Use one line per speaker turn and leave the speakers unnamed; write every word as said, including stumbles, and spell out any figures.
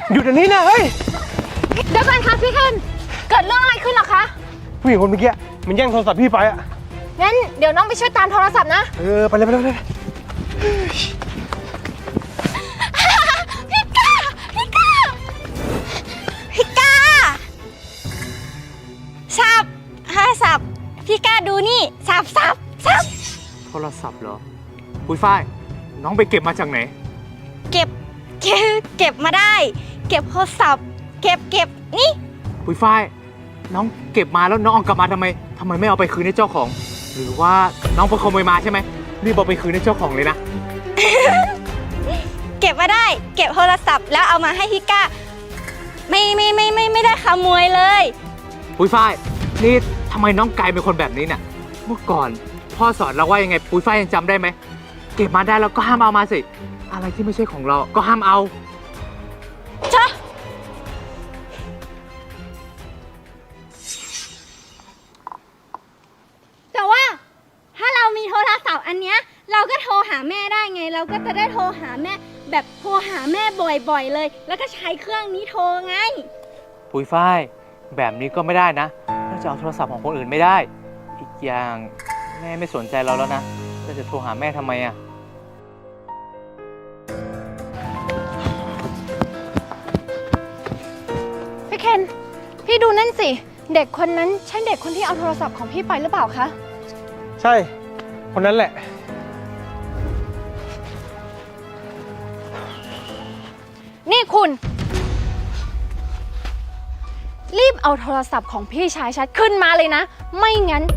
หยุดเดี๋ยวนี้นะเฮ้ย
เดี๋ยวก่อนค่ะพี่เคนเกิดเรื่องอะไรขึ้นหรอคะ
ผู้หญิงคนเมื่อกี้มันแย่งโทรศัพท์พี่ไปอะ
งั้นเดี๋ยวน้องไปช่วยตามโทรศัพท์นะ
เออไปเลยไปเลยไปเลย
พี่ก้าพี่ก้าพี่ก้าสับฮะสับพี่ก้าดูนี่สับสับสับ
โทรศัพท์เหรอปุ้ยฝ้ายน้องไปเก็บมาจากไหน
เก็บเก็บเก็บมาได้เก็บโทรศัพท์เก็บเก็บนี่
ปุ้ยฝ้ายน้องเก็บมาแล้วน้องเอากลับมาทำไมทำไมไม่เอาไปคืนให้เจ้าของหรือว่าน้องไปขโมยมาใช่ไหมรีบเอาไปคืนให้เจ้าของเลยนะ
เก็บมาได้เก็บโทรศัพท์แล้วเอามาให้พี่ก้าไม่ไม่ไม่ไม่ไม่ได้ขโมยเลย
ปุ้ยฝ้ายนี่ทำไมน้องกลายเป็นคนแบบนี้เนี่ยเมื่อก่อนพ่อสอนเราว่ายังไงปุ้ยฝ้ายยังจำได้ไหมเก็บมาได้แล้วก็ห้ามเอามาสิอะไรที่ไม่ใช่ของเราก็ห้ามเอา
จ้ะแต่ว่าถ้าเรามีโทรศัพท์อันเนี้ยเราก็โทรหาแม่ได้ไงเราก็จะได้โทรหาแม่แบบโทรหาแม่บ่อยๆเลยแล้วก็ใช้เครื่องนี้โทรไง
ปุ้ยฝ้ายแบบนี้ก็ไม่ได้นะเราจะเอาโทรศัพท์ของคนอื่นไม่ได้อีกอย่างแม่ไม่สนใจเราแล้วนะเราจะโทรหาแม่ทำไมอ่ะ
พี่เคนพี่ดูนั่นสิเด็กคนนั้นใช่เด็กคนที่เอาโทรศัพท์ของพี่ไปหรือเปล่าคะ
ใช่คนนั้นแหละ
นี่คุณรีบเอาโทรศัพท์ของพี่ชายฉันขึ้นมาเลยนะไม่งั้น